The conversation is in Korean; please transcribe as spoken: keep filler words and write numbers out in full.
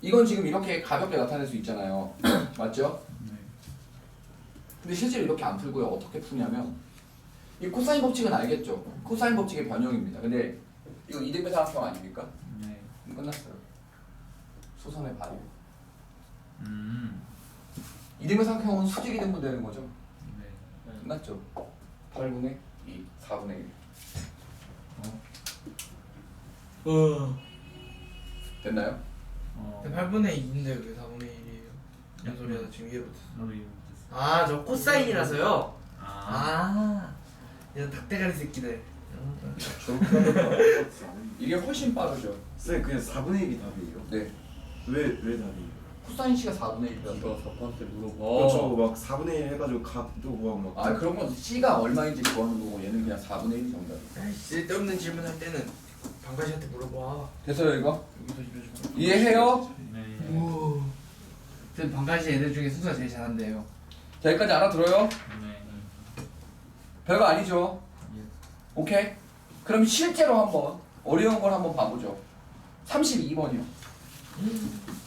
이건 지금 이렇게 가볍게 나타낼 수 있잖아요. 맞죠? 네. 근데 실제로 이렇게 안 풀고요. 어떻게 푸냐면 이 코사인 법칙은 알겠죠? 코사인 법칙의 변형입니다. 근데 이거 이등변 삼각형 아닙니까? 네. 그럼 끝났어요. 수선의 발효. 음. 이등변 삼각형은 수직이 등분되는 거죠. 네. 끝났죠? 팔분의 이, 사분의 일. 어. 됐나요? 어. 팔분의 이인데 왜 사분의 일이에요? 무슨 소리야? 나 지금 이해 못했어. 나도 이해 못했어. 아, 저 코사인이라서요? 아. 아. 이런 닭대가리 새끼들. 이게 훨씬 빠르죠. 쌤 그냥 사분의 일이 답이에요? 네. 왜, 왜 답이에요? 코사인 C가 사분의 일이라서. 네가 사파한테 물어봐. 그렇죠 막 사분의 일 해가지고 값도 구하고 막 아 그런 건 C가 얼마인지 구하는 거고 얘는 그냥 사분의 일이 정답이에요. 아이, 쓸데없는 질문 할 때는 방가시한테 물어봐. 됐어요 이거? 여기서 이러시면 이해해요? 네. 오. 쌤 방가시 애들 중에 순서 제일 잘한대요. 자 여기까지 알아들어요? 네. 별거 아니죠? 예. 오케이? 그럼 실제로 한번 어려운 걸 한번 봐보죠. 삼십이 번이요.